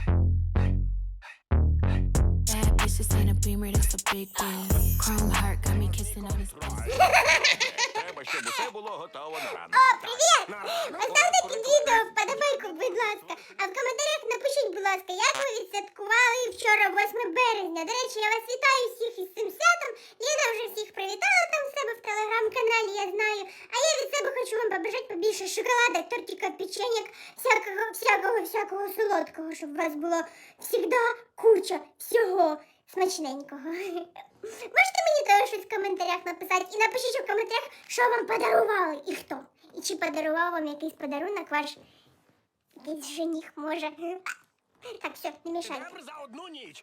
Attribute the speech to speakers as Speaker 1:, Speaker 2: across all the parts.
Speaker 1: Bad bitches in a beamer, that's a big deal. Chrome heart got me kissing on his pussy.
Speaker 2: Треба, щоб усе було готово на ранок.
Speaker 3: О, привіт! Поставте під відео вподобайку, будь ласка. А в коментарях напишіть, будь ласка, як ви відсвяткували вчора 8 березня. До речі, я вас вітаю всіх із цим святом. Ліна вже всіх привітала там в себе в телеграм-каналі, я знаю. А я від себе хочу вам побажати побільше шоколада, тортика, печеньок, всякого солодкого, щоб у вас було завжди куча всього смачненького. Можете мені теж щось в коментарях написати і напишіть у коментарях, що вам подарували і хто. І чи подарував вам якийсь подарунок ваш якийсь жених може. Так, все, не мішайте.
Speaker 2: Грам за одну ніч.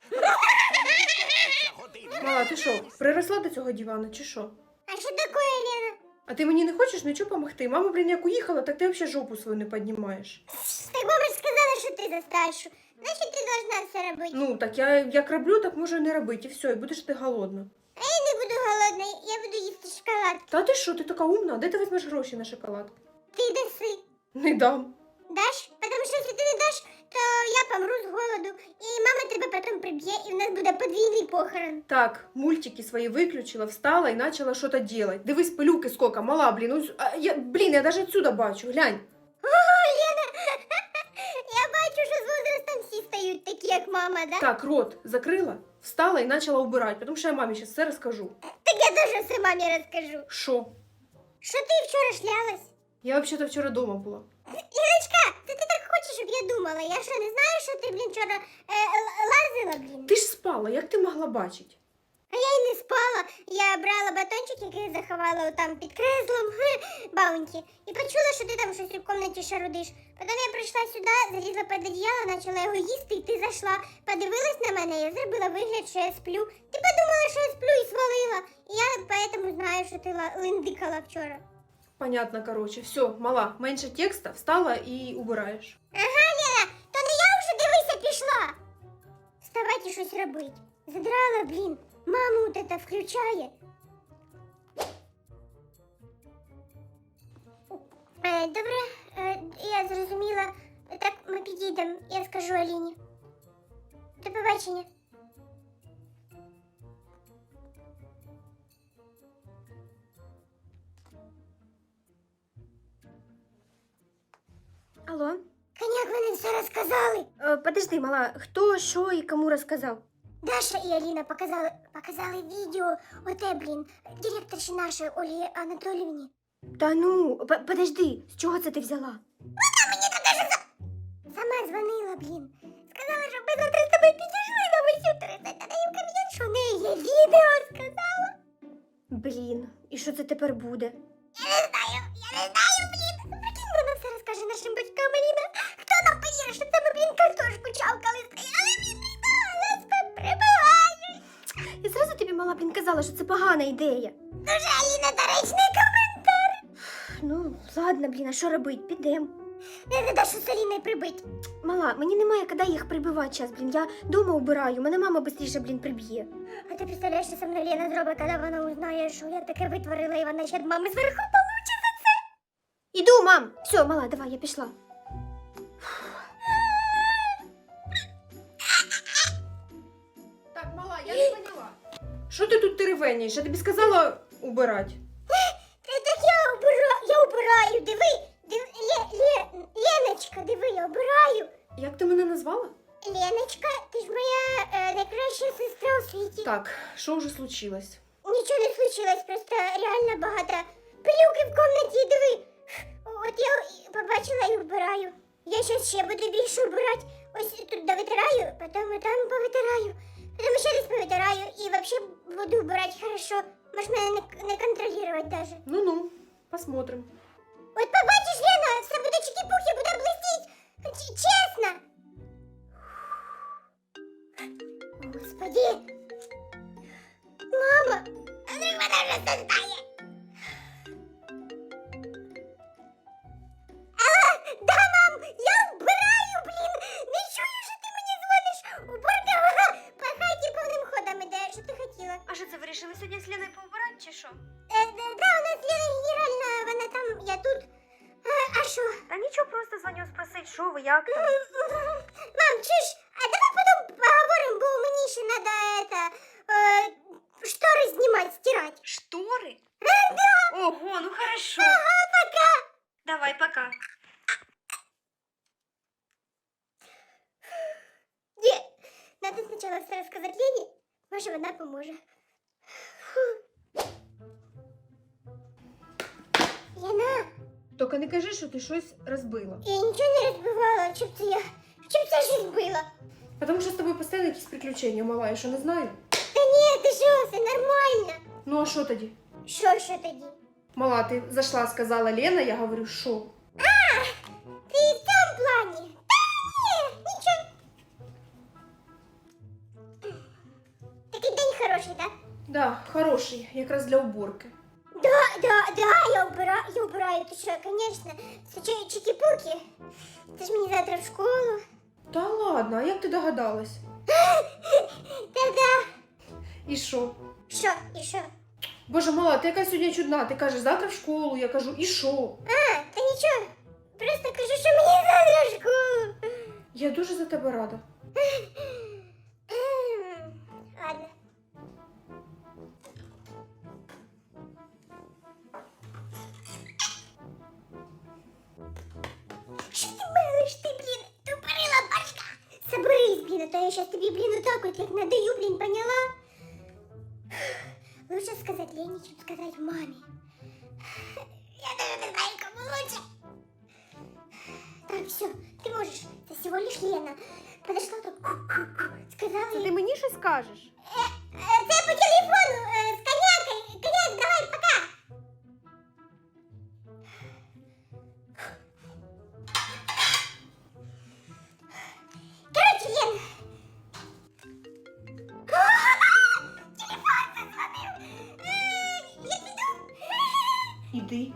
Speaker 4: Мала, ти що, приросла до цього дивана, чи що?
Speaker 3: А що таке, Лена?
Speaker 4: А ти мені не хочеш нічого допомогти? Мама, блін, як уїхала, так ти взагалі жопу свою не піднімаєш.
Speaker 3: Так мама ж сказала, що ти за старшу. Значить, ти должна все робити.
Speaker 4: Ну, так я як роблю, так можу і не робити, і все, і будеш ти голодна.
Speaker 3: А я не буду голодна, я буду їсти шоколад.
Speaker 4: Та ти що, ти така умна? Де ти візьмеш гроші на шоколад?
Speaker 3: Ти даси.
Speaker 4: Не дам.
Speaker 3: Даш? Потому що якщо ти не даш, то я помру з голоду, і мама тебе потім приб'є, і в нас буде подвійний похорон.
Speaker 4: Так, мультики свої виключила, встала і почала щось робити. Дивись, пилюки скільки, мала, блін. Я навіть отсюда бачу, глянь.
Speaker 3: Ого, Лена! Я бачу, що з возрастом всі стають такі, як мама, да?
Speaker 4: Так, рот закрила, встала і почала убирати, тому що я мамі зараз все розкажу.
Speaker 3: Так я теж все мамі розкажу.
Speaker 4: Що?
Speaker 3: Що ти вчора шлялась?
Speaker 4: Я взагалі вчора вдома була.
Speaker 3: Ірочка, це ти так хочеш, щоб я думала? Я що, не знаю, що ти, блін, вчора лазила, блін?
Speaker 4: Ти ж спала, як ти могла бачити?
Speaker 3: А я й не спала. Я брала батончик, який заховала там під креслом, баунті, і почула, що ти там щось у кімнаті шарудиш. Потім я прийшла сюди, залізла під одіяло, почала його їсти, і ти зайшла. Подивилась на мене, я зробила вигляд, що я сплю. Ти подумала, що я сплю і свалила. І я поэтому знаю, що ти линдикала вчора.
Speaker 4: Понятно, короче. Все, мала, менше текста, встала і убираєш.
Speaker 3: Ага, Лена, то не я вже, дивися, пішла. Вставайте щось робить. Задрала, блін. Маму от это включає. Добре, я зрозуміла. Так, ми підійдемо, я скажу Аліні. До побачення.
Speaker 5: Алло?
Speaker 3: Коняк, вони все розказали.
Speaker 5: Подожди, мала, хто, що і кому розказав?
Speaker 3: Даша і Аліна показали відео оте, блін, директорші нашої Олі Анатоліївні.
Speaker 5: Та ну, подожди, з чого це ти взяла?
Speaker 3: Вона мені тут даже сама дзвонила, блін. Сказала, що ми завтра з тобою підійшли на висю 30, а їм кам'ян, що в неї є відео, сказала.
Speaker 5: Блін, і що це тепер буде?
Speaker 3: Я не знаю, блін. Прикинь, вона все розкаже нашим батькам, Аліна. Хто нам повірить, що це ми, блін, картошку чавкали, стояли, блін, нас тут прибивають.
Speaker 5: Я зразу тобі, мала, блін, казала, що це погана ідея.
Speaker 3: Дуже, Аліна, доречний коментар.
Speaker 5: Ну, ладно, блін, а що робить? Підем.
Speaker 3: Не Дашу з Аліною прибить.
Speaker 5: Мала, мені немає коли їх прибивати час, блін. Я дома убираю, мене мама быстріше, блін, приб'є.
Speaker 3: А ти представляєш, що со мною Лена зробить, коли вона узнає, що я таке витворила, і вона ще від мами зверху получить за це.
Speaker 5: Іду, мам! Все, мала, давай, я пішла.
Speaker 4: Так, мала, я не поняла. Що ти тут теревенієш? Я тобі сказала убирати.
Speaker 3: Так я убираю, диви. Леночка, диви, я убираю.
Speaker 4: Як ти мене назвала?
Speaker 3: Леночка, ти ж моя найкраща сестра у світі.
Speaker 4: Так, що вже случилось?
Speaker 3: Нічого не случилось, просто реально багато пилюки в кімнаті, диви. От я побачила і вбираю. Я щас ще буду більше вбирати. Ось тут довитираю, потім і там повитираю. Потім ще раз повитираю і взагалі буду вбирати хорошо. Можеш мене не контролювати даже.
Speaker 4: Ну-ну, посмотрим.
Speaker 3: От побачиш, Лена, все буде чики-пух, я буду блистіть. Чесно. Господи. Мама, Андрій мене вже создає. Алло, да, мам, я вбираю, блін. Не чую, що ти мені дзвониш. Уборка, по хаті повним ходом іде. Що ти хотіла?
Speaker 5: А що це, вирішили сьогодні з Леною поубирати, чи що?
Speaker 3: Да, у нас Лена генеральна, вона там, я тут. А що?
Speaker 5: Та нічого, просто дзвоню спросить, що ви, як там?
Speaker 3: Мам, чуєш, а надо спочатку все розказати Лені. Може, вона поможе. Яна,
Speaker 4: Тільки не кажи, що ти щось розбила.
Speaker 3: я нічого не розбивала. Чим це щось збила?
Speaker 4: Тому що з тобою постійно якісь приключення, мала, я що не знаю.
Speaker 3: Та ні, ти що, все нормально.
Speaker 4: Ну а що тоді?
Speaker 3: Що тоді?
Speaker 4: Мала, ти зайшла, сказала Лена, я говорю, що?
Speaker 3: Ти в цьому плані? Та ні, нічого. Такий день хороший, так?
Speaker 4: Да, хороший, якраз для уборки.
Speaker 3: Да, я убираю, ти що, конечно. Це чики-пуки. Це ж мені завтра в школу.
Speaker 4: Та ладно, а як ти догадалась?
Speaker 3: Та-да.
Speaker 4: І що?
Speaker 3: Що, і що?
Speaker 4: Боже, мала, ти яка сьогодні чудна. Ти кажеш, завтра в школу, я кажу, і що?
Speaker 3: А, та нічого. Просто кажу, що мені завтра в школу.
Speaker 4: Я дуже за тебе рада.
Speaker 3: Ладно. Що ти мелиш, ти, блін, тупорила башка? Соберись, блін, а то я щас тобі, блін, отак от як надаю, блін, поняла? Лучше сказать Лене, чем сказать маме. Я даже не знаю, кому лучше. Так, все, ты можешь. Это всего лишь Лена. Подошла так, сказала
Speaker 5: Це
Speaker 3: ей.
Speaker 5: ти мені щось скажеш?
Speaker 3: Це по телефону, с коньякой. Коньяк, давай, пока. Короче, Лен. Телефон зазвонил. Я піду.
Speaker 4: Іди.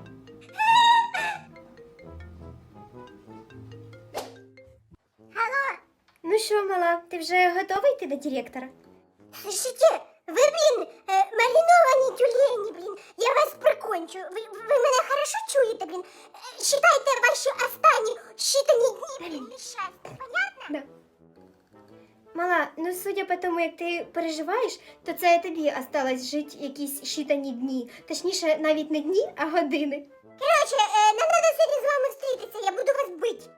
Speaker 3: Алло.
Speaker 5: Ну що, мала, ти вже готова йти до директора?
Speaker 3: Слушайте, ви, блін, мариновані тюлені, блін, я вас прикончу. Ви мене хорошо чуєте, блін? Считайте ваші останні считані дні, блін, нещастя, понятно?
Speaker 5: Да. Мала, ну судя по тому, як ти переживаєш, то це тобі осталось жити якісь щитані дні. Точніше, навіть не дні, а години.
Speaker 3: Короче, нам треба сьогодні з вами зустрітися, я буду вас бити.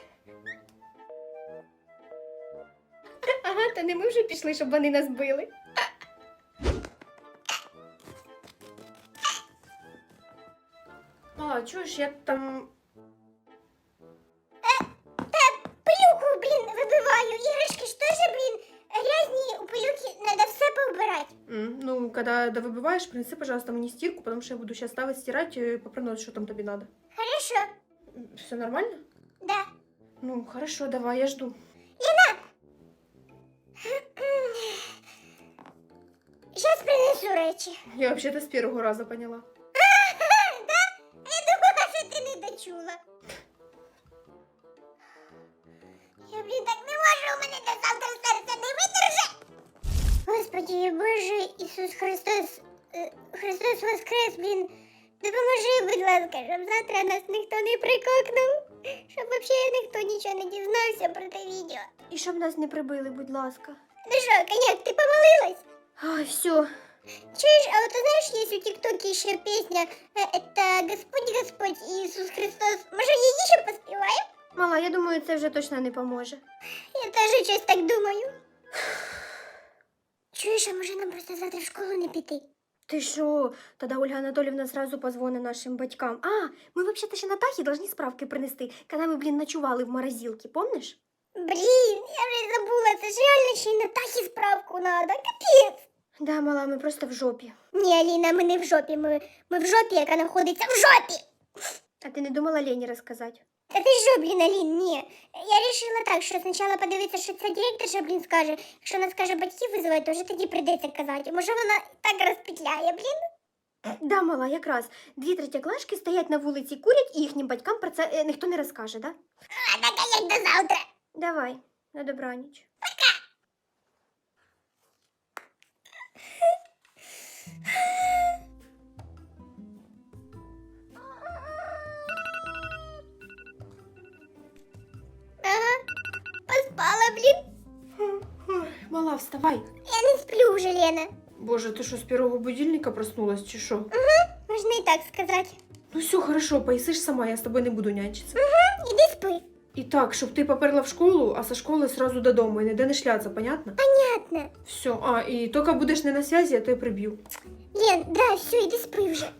Speaker 5: Ага, то не ми вже пішли, щоб вони нас били.
Speaker 4: Мала, чуєш, я там...
Speaker 3: Та пилюку, блін, вибиваю, іграшки ж теж, блін, грязні, у пилюки треба все поубирати.
Speaker 4: Ну, когда довыбиваешь, принеси, пожалуйста, мне стирку, потому что я буду сейчас ставить, стирать, попрыгнуть, что там тебе надо.
Speaker 3: Хорошо,
Speaker 4: Все нормально?
Speaker 3: да.
Speaker 4: Ну, хорошо, давай, я жду.
Speaker 3: Зараз принесу речі.
Speaker 4: Я вообще-то с первого раза поняла.
Speaker 3: Да? Я думала, що ти не дочула. Я, блін, так не можу, у мене до завтра серце не видержить. Господи, Боже, Ісус Христос, Христос воскрес, блін. Допоможи, будь ласка, щоб завтра нас ніхто не прикокнув. Щоб взагалі ніхто нічого не дізнався про те відео.
Speaker 5: І щоб нас не прибили, будь ласка.
Speaker 3: Ну що, коняк, ти помолилась?
Speaker 5: Ай, все.
Speaker 3: Чуєш, а вот ты знаешь, есть у ТикТоке еще песня «Это Господь, Господь Иисус Христос». Може, її ще поспіваємо?
Speaker 5: Мала, я думаю, це вже точно не поможе.
Speaker 3: Я теж щось так думаю. Чуєш, а може нам просто завтра в школу не піти?
Speaker 5: Ти що? Тоді Ольга Анатоліївна сразу позвонить нашим батькам. А, ми взагалі ще Натахі должны справки принести, коли ми, блін, ночували в морозилці, помниш?
Speaker 3: Блін, я вже забула, це ж реально ще й на Тахі справку надо, капець.
Speaker 5: Да, мала, ми просто в жопі.
Speaker 3: Ні, Аліна, ми не в жопі, ми в жопі, яка знаходиться в жопі.
Speaker 5: А ти не думала Лені розказати?
Speaker 3: Та ти що, блін, Алін, ні. Я вирішила так, що спочатку подивитися, що ця директорша, блін, скаже. Якщо вона скаже батьків визивати, то вже тоді прийдеться казати. Може, вона так розпетляє, блін?
Speaker 5: Да, мала, якраз. 2 третєклашки стоять на вулиці, курять, і їхнім батькам про це ніхто не розкаже, да?
Speaker 3: А так, а як до завтра?
Speaker 5: Давай, на добраніч.
Speaker 3: Ага, поспала, блін.
Speaker 4: Ой, мала, вставай.
Speaker 3: Я не сплю вже, Лена.
Speaker 4: Боже, ты что, с первого будильника проснулась, чи шо?
Speaker 3: Можна і так сказати.
Speaker 4: Ну все, хорошо, поїсиш сама, я с тобой не буду нянчиться.
Speaker 3: Іди спи.
Speaker 4: І так, щоб ти поперла в школу, а со школи сразу додому і ніде не шляться, понятно?
Speaker 3: Понятно.
Speaker 4: Все, і тільки будеш не на зв'язі, я тебе приб'ю.
Speaker 3: Лен, да, все, іди спи вже.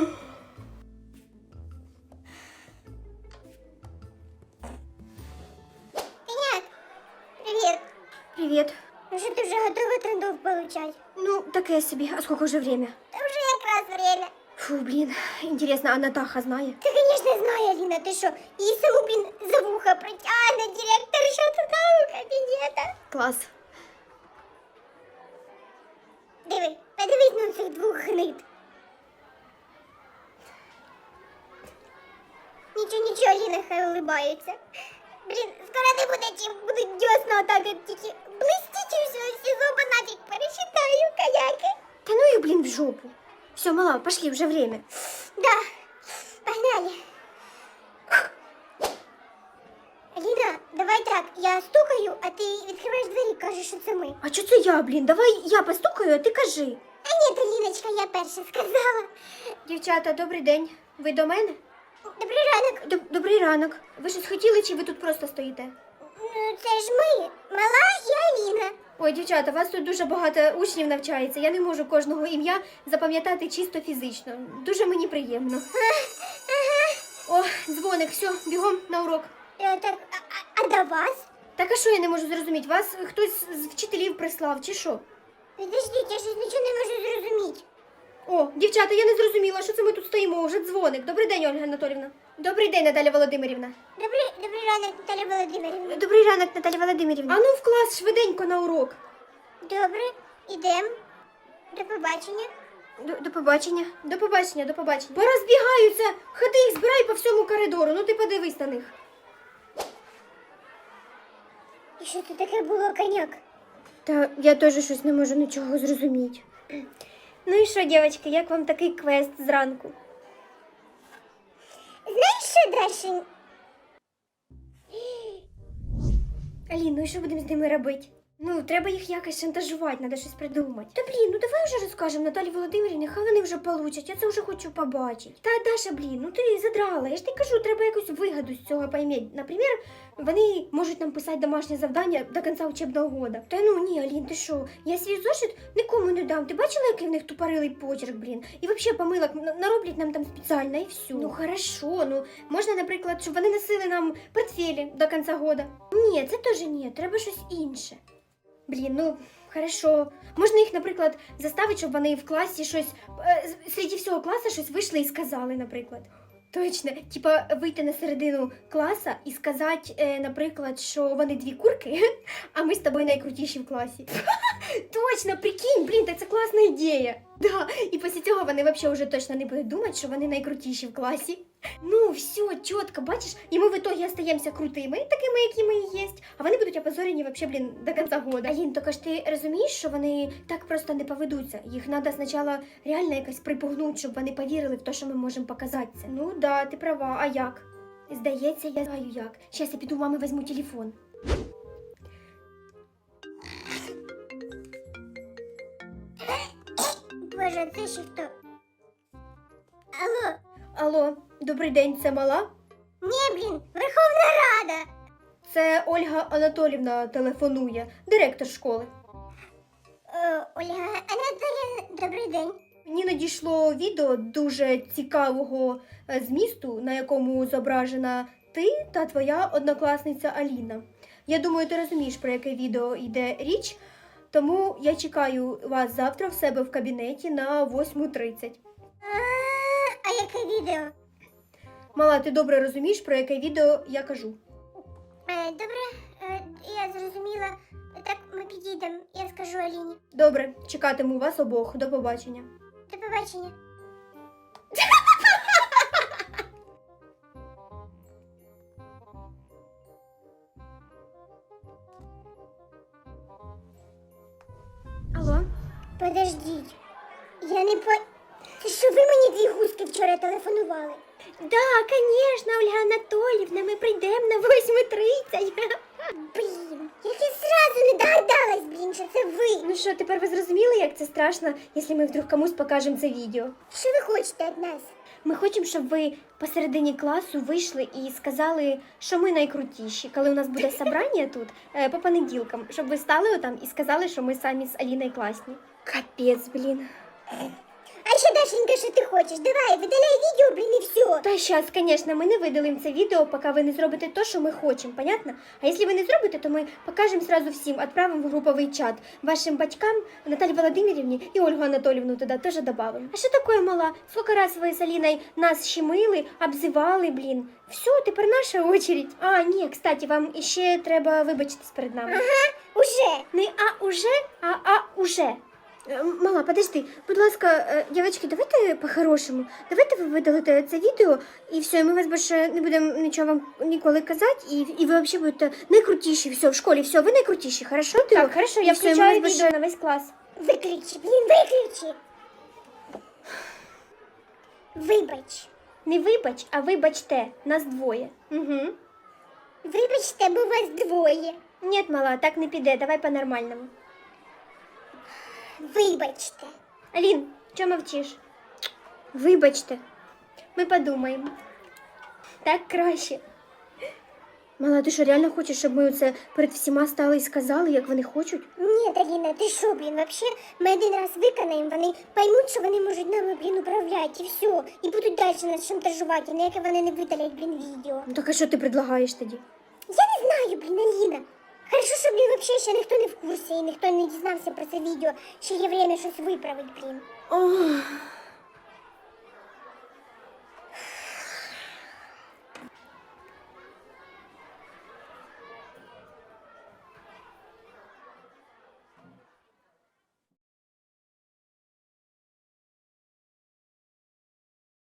Speaker 3: Коняк, привіт.
Speaker 5: Привіт.
Speaker 3: Ну що ти вже готова трендов получать?
Speaker 5: Ну, таке собі. А скільки вже время?
Speaker 3: Та вже якраз время.
Speaker 5: Фу, блін. Інтересно, а Натаха знає?
Speaker 3: Ти, конечно, знає, Аліна, ти що? Її саму, блін, за вуха притягне директор, що туди у кабінета.
Speaker 5: Клас.
Speaker 3: Диви, подивись на цих двох гнид. Нічого, Аліна, хай улибаються. Блін, скоро не буде чим, будуть дьосна отак, як тільки блистіть і все, всі зуби нафіг пересчитаю, коняки.
Speaker 5: Та ну їх, блін, в жопу. Все, мала, пошли, вже время.
Speaker 3: Да, погнали. Аліна, давай так, я стукаю, а ти відкриваєш двері, кажеш, що це ми.
Speaker 5: А чо це я, блін? Давай я постукаю, а ти кажи.
Speaker 3: А ні, Аліночка, я перша сказала.
Speaker 5: Дівчата, добрий день. Ви до мене?
Speaker 3: Добрий ранок.
Speaker 5: Добрий ранок. Ви щось хотіли, чи ви тут просто стоїте?
Speaker 3: Ну, це ж ми, мала і Аліна.
Speaker 5: Ой, дівчата, вас тут дуже багато учнів навчається. Я не можу кожного ім'я запам'ятати чисто фізично. Дуже мені приємно. О, дзвоник, все, бігом на урок.
Speaker 3: Так, а до вас?
Speaker 5: Так а що я не можу зрозуміти? Вас хтось з вчителів прислав, чи що?
Speaker 3: Підождіть, я щось нічого не можу зрозуміти.
Speaker 5: О, дівчата, я не зрозуміла, що це ми тут стоїмо, вже дзвоник. Добрий день, Ольга Анатолівна. Добрий день, Наталя Володимирівна.
Speaker 3: Добрий ранок, Наталя Володимирівна.
Speaker 5: Добрий ранок, Наталя Володимирівна. А ну в клас, швиденько на урок.
Speaker 3: Добре, ідем. До побачення.
Speaker 5: До побачення. До побачення, до побачення. Порозбігаються. Ходи їх збирай по всьому коридору. Ну ти подивись на них.
Speaker 3: І що це таке було, коняк?
Speaker 5: Та я теж щось не можу нічого зрозуміти. Ну і що, дівчатки, як вам такий квест зранку?
Speaker 3: Знаєш, що далі?
Speaker 5: Алін, ну і що будемо з ними робити? Ну, треба їх якось шантажувати, треба щось придумати. Та блін, ну давай вже розкажемо Наталі Володимирівні, хай вони вже получать, я це вже хочу побачити. Та Даша, блін, ну ти задрала, я ж тобі кажу, треба якусь вигоду з цього поймати. Наприклад, вони можуть нам писати домашнє завдання до кінця учебного года. Та ну ні, Алін, ти що, я свій зошит нікому не дам. Ти бачила, який в них тупорилий почерк, блін? І взагалі помилок нароблять нам там спеціально і все. Ну хорошо, ну можна, наприклад, щоб вони носили нам портфелі до кінця года. Ні, це теж ні, треба щось інше. Блін, ну, хорошо. Можна їх, наприклад, заставити, щоб вони в класі щось, серед всього класу щось вийшли і сказали, наприклад. Точно, типа вийти на середину класа і сказати, наприклад, що вони дві курки, а ми з тобою найкрутіші в класі. Точно, прикинь, блін, так це класна ідея. Да, і після цього вони взагалі вже точно не будуть думати, що вони найкрутіші в класі. Ну, все, чітко, бачиш, і ми в итоге остаємося крутими, такими, які ми і є, а вони будуть опозорені вообще, блін, до кінця года. Алін, тільки ж ти розумієш, що вони так просто не поведуться. Їх треба спочатку реально якось припугнути, щоб вони повірили в те, що ми можемо показати це. Ну, да, ти права, а як? Здається, я знаю як. Щас я піду, мами візьму телефон.
Speaker 3: Боже, це ще хто? Алло?
Speaker 5: Алло, добрий день, це мала?
Speaker 3: Ні, блін, Верховна Рада.
Speaker 5: Це Ольга Анатолівна телефонує, директор школи.
Speaker 3: Ольга Анатоліївна, добрий день.
Speaker 5: Мені надійшло відео дуже цікавого змісту, на якому зображена ти та твоя однокласниця Аліна. Я думаю, ти розумієш, про яке відео йде річ, тому я чекаю вас завтра в себе в кабінеті на 8:30.
Speaker 3: А яке відео?
Speaker 5: Мала, ти добре розумієш, про яке відео я кажу?
Speaker 3: Добре, я зрозуміла. Так, ми підійдемо, я скажу Аліні.
Speaker 5: Добре, чекатиму вас обох. До побачення.
Speaker 3: До побачення.
Speaker 5: Алло?
Speaker 3: Подождіть. Я не по... Це що ви мені дві гуски вчора телефонували?
Speaker 5: Да, конечно, Ольга Анатоліївна, ми прийдемо на 8:30.
Speaker 3: Блін, я ж зразу не догадалась, блін, що це ви.
Speaker 5: Ну що, тепер ви зрозуміли, як це страшно, якщо ми вдруг комусь покажемо це відео?
Speaker 3: Що ви хочете від нас?
Speaker 5: Ми хочемо, щоб ви посередині класу вийшли і сказали, що ми найкрутіші. Коли у нас буде собрання тут, по понеділкам, щоб ви стали отам і сказали, що ми самі з Аліною класні. Капець, блін.
Speaker 3: А ще, Дашенька, що ти хочеш? Давай, видаляй відео, блін, і все.
Speaker 5: Та щас, звісно, ми не видалимо це відео, поки ви не зробите те, що ми хочемо, понятно? А якщо ви не зробите, то ми покажемо сразу всім, відправимо в груповий чат вашим батькам, Наталі Володимирівні і Ольгу Анатоліївну туди теж додамо. А що таке, мала? Скільки раз ви з Аліною нас щемили, обзивали, блін? Все, тепер наша очередь. А, ні, кстати, вам іще треба вибачитись перед нами.
Speaker 3: Уже.
Speaker 5: Не уже, а уже. Мала, подожди, будь ласка, дівчатки, давайте по-хорошому. Давайте ви видалите це відео, і все, і ми вас більше не будемо нічого вам ніколи казати, і ви взагалі будете найкрутіші, все, в школі, все, ви найкрутіші, хорошо? Так, хорошо, я включаю відео на весь клас.
Speaker 3: Виключи, блін, виключи. Вибач.
Speaker 5: Не вибач, а вибачте, нас двоє. Угу.
Speaker 3: Вибачте, бо вас двоє.
Speaker 5: Ні, мала, так не піде, давай по-нормальному.
Speaker 3: Вибачте.
Speaker 5: Алін, чого мовчиш? Вибачте, ми подумаємо. Так краще. Мала, ти що, реально хочеш, щоб ми це перед всіма стали і сказали, як вони хочуть?
Speaker 3: Ні, Аліна, ти що, блін, вообще, ми один раз виконаємо, вони поймуть, що вони можуть нами, блін, управляти, і все. І будуть далі нас шантажувати, ніяке вони не видалять, блін, відео.
Speaker 5: Ну так а що ти предлагаєш тоді?
Speaker 3: Я не знаю, блін, Аліна. Хорошо, що, блін, вообще ще ніхто не в курсі, і ніхто не дізнався про це відео. Ще є время щось виправити, блін.
Speaker 5: Ох.